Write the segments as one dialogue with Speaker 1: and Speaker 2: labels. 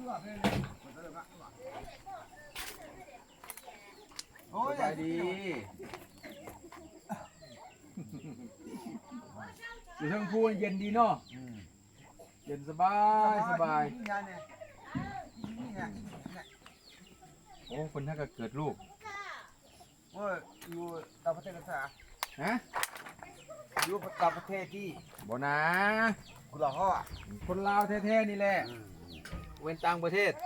Speaker 1: โอ้ยดีอยู่ทั้งพูนเย็นดีเนาะเย็นสบายสบายโอ้คนถ้าเกิดลูก
Speaker 2: โอ้ยอยู่ต่างประเทศกันซะ
Speaker 1: ฮะ
Speaker 2: อยู่ต่างประเทศที่
Speaker 1: บ่นะ
Speaker 2: กุหลาบห่อ
Speaker 1: คนลาวแท้ๆนี่แหละเว้นต่างประเทศ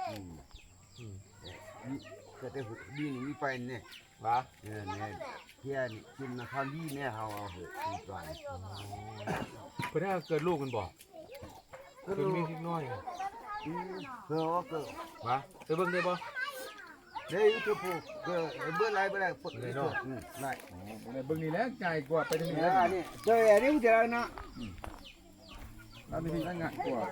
Speaker 2: เกิดได้ดีนี่มีไปเนี่ยวะเนี่ยเที่ยนกินนะคำดีเนี่ยเขาเอาเหอะมีไป
Speaker 1: คนถ้าเกิดลูกมันบอกเกิดมีนิดน้อย
Speaker 2: เพื่อว่าเกิด
Speaker 1: วะไปเบิ่งได้บ่
Speaker 2: เดี๋ยวจะพูดเกิดเบื่อไรเบื่อไรปุ๊บเลยเนาะได้
Speaker 1: เบิ่งนี่แหละง่ายกว่าไปทางนี้
Speaker 2: นี่เจออันนี้มันจะอะไรนะ
Speaker 1: แล้วนี่ง่ายกว่า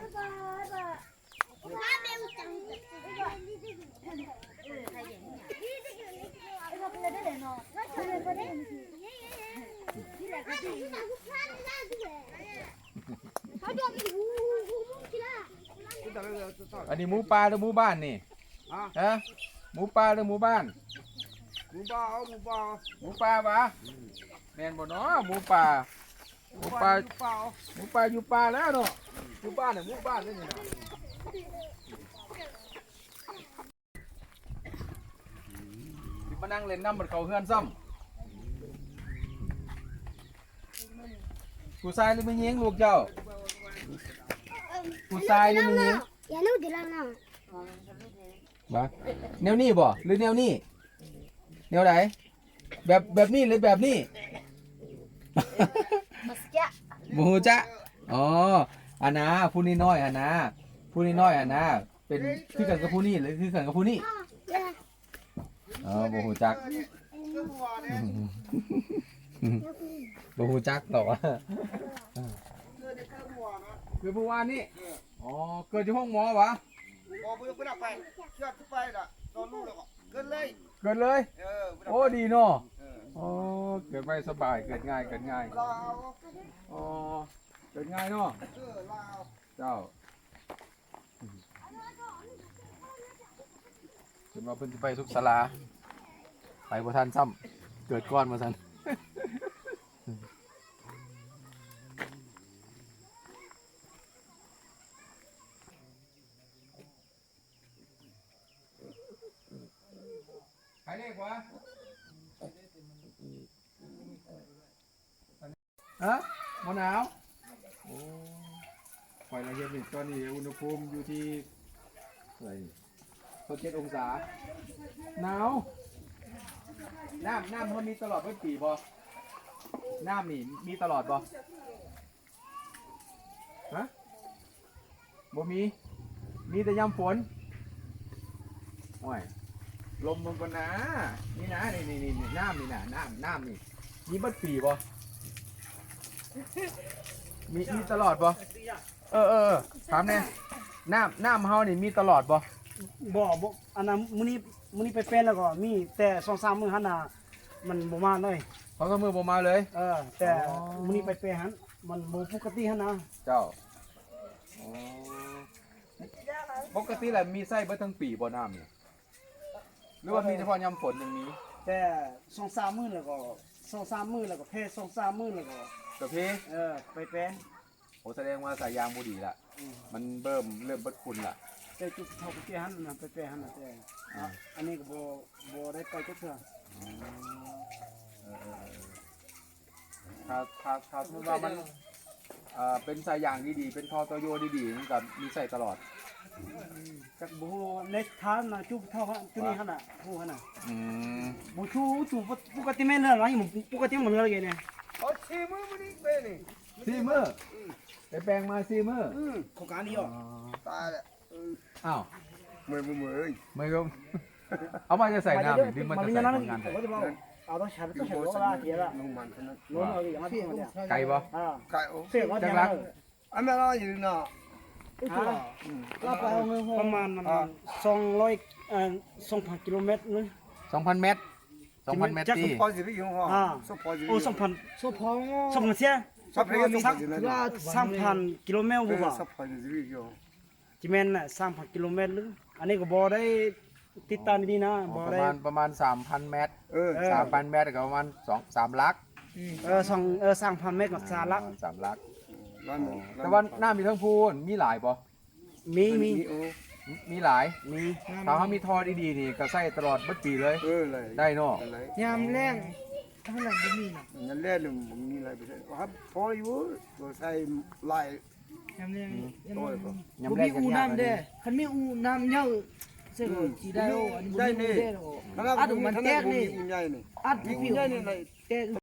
Speaker 1: อันนี้หมูป่าหรือหมูบ้านนี่ฮะหมูป่าหรือหมูบ้าน
Speaker 2: หมูป่าหมูป่า
Speaker 1: หมูป่าวะแม่นบ่เนาะหมูป่าหมูป่าหมูป่าอยู่ป่าแล้วเนาะอยู่บ้านเนี่ยหมูบ้านนี่นะที่มานั่งเล่นน้ำมันเขาเฮือนซ้ำผู้ชายหรือไม่ยิงลูกเจ้าผู้ชายหรือไม่ยิง
Speaker 3: อย่านู่นดิล่ะนะ
Speaker 1: บ้าแนวนี้บ่หรือแนวนี้แนวไหนแบบนี้หรือแบบนี้หมูจ๊ะอ๋ออันนะผู้นี้น้อยอันนะผู้นี้น้อยอันนะเป็นคือกันกับผู้นี้หรือคือกันกับผู้นี้อ๋อบ่ฮู้จักบ่ฮู้จักหรอกคือผู้ว่านี่อ๋อเกิดที่ห้องหมอวะ
Speaker 2: พอเพื่อนไปเชื่อทุกไปละตอนลูกแล้วก็เกินเลย
Speaker 1: โอ้ดีเนาะอ๋อเกิดไม่สบายเกิดง่ายอ๋อเกิดง่ายเนาะเจ้าจนมาเพิ่นสิไปสุขศาลาไปบ่ทันซ้ำเกิดก้อนมาซั่นใครเรียกวะฮะมะนาวโอ้ไฟละเอียดนี่ตอนนี้อุณหภูมิอยู่ที่อะไร7 องศาหนาวน้ำมันมีตลอดปีบ่น้ำนี่มีตลอดบ่ฮะบ่มีแต่ยามฝนโอ้ยลมมันก็นะนี่นะนี่น้ำนี่นะน้ำนี่มีบัดปีบ่มีตลอดบ่ถามแน่น้ำเฮานี่มีตลอดบ่
Speaker 4: อันนั้นมื้อนี้ไปเป็นแล้วก็มีแต่2-3มื้อหั่นน่ะมันบ่มาเลย
Speaker 1: เขาก็มือบ่มาเลย
Speaker 4: แต่มื้อนี้ไปเป็นหั่นมันบ่ปกติหั่นนะ
Speaker 1: เจ้าปกติแล้วมีไส้เบิดทั้งปีบ่น้ำนี่หรือว่ามีเฉพาะยามฝนอย่างนี้
Speaker 4: แต่2-3มื้อแล้วก็2-3มื้อแล้วก็เพ2-3มื้อแล้วก็
Speaker 1: กระเพ
Speaker 4: ไปเป็น
Speaker 1: โอ้แสดงว่าสายยางบ่ดีละมันเริ่มเบิดคุณละ
Speaker 4: แต่จุดเท่าไปหั่นน่ะไปเป็นหั่นน่ะแต่อันนี้ก็บ่ได้ไปจักเทื่อ
Speaker 1: ถ้าสมมติว่ามันเป็นสายยางดีๆเป็นท่อตัวโยดีๆมันก็มีใส่ตลอด
Speaker 4: จักบ่ฮู้ในทางน่ะจุดเท่าจุดนี้หั่นน่ะฮู้หั่นน่ะบ่ชูจุปกติแม่นแล้วล่ะปกติมันเหลืออะไรเนี่ย
Speaker 2: 4 มื้อมื้อนี้เป็นนี่
Speaker 1: 4 มื้อไปแปลงมา4 มื้อ
Speaker 4: โครงการนี้อ่ะ
Speaker 2: ตายแล้ว
Speaker 1: อ้าว
Speaker 2: มื้อเอ้ย
Speaker 1: ไม่ก็เอามาจะใส่น้ำดิมันจะใส่งาน
Speaker 4: เอาต้องใช้โลละเทียละ
Speaker 2: มันเท่านั้น
Speaker 4: โลเอาอย่างนั้น
Speaker 1: ไก่บ่
Speaker 2: ไก่
Speaker 4: เสียก็จังลัก
Speaker 2: อันนั้นเราอยู่เนาะ
Speaker 4: ประมาณ200 กิโลเมตรนึง
Speaker 1: 2,000 เมตร
Speaker 2: ที่พอสิพี่ของ
Speaker 4: โอ้2,000เสีย3,000 กิโลเมตรบ่ว่าจิแม่นน่ะ3,000 กิโลเมตรหรืออันนี้ก็บ่ได้ติดตามดีๆนะ
Speaker 1: อ๋อ
Speaker 4: บ่
Speaker 1: ประ
Speaker 4: ได้
Speaker 1: มาณ3,000 เมตร
Speaker 2: เออ
Speaker 1: 3,000 เมตรก็ประมาณ3 ลัก
Speaker 4: 3,000 เมตรกับสาลัก
Speaker 1: 3 ลัก
Speaker 2: ร้าน
Speaker 1: แต่ว่าน้ำมีทั้งพูนมีหลายบ่
Speaker 4: มี
Speaker 2: โอ้
Speaker 1: มีหลาย
Speaker 4: มี
Speaker 1: ถ้าเขามีท่อดีๆนี่ก็ใส่ตลอดเบัดปีเลย
Speaker 2: เออเลย
Speaker 1: ได้เนาะ
Speaker 2: อะไร
Speaker 3: ยามแรงเท่านั้นบ่มีน่ะ
Speaker 2: งั้นแล่นมึงมีอะไรไปได้ครับพออยู่ตัวใส่ลาย
Speaker 3: ยามแรง
Speaker 2: โอ้ยบ่
Speaker 1: ยาม
Speaker 3: บ่
Speaker 1: แร
Speaker 3: มี
Speaker 1: ก
Speaker 3: อู
Speaker 1: ยาก
Speaker 3: น้ำเด้คันมีอูน้ำเหยาเสิสิได้โออันนี้บ่มีอูเด้โออัดมันแตกนี่
Speaker 2: อุ่นใหญ่นี่
Speaker 3: อัดผิว
Speaker 2: ใหญ่นี่เลย
Speaker 3: แตก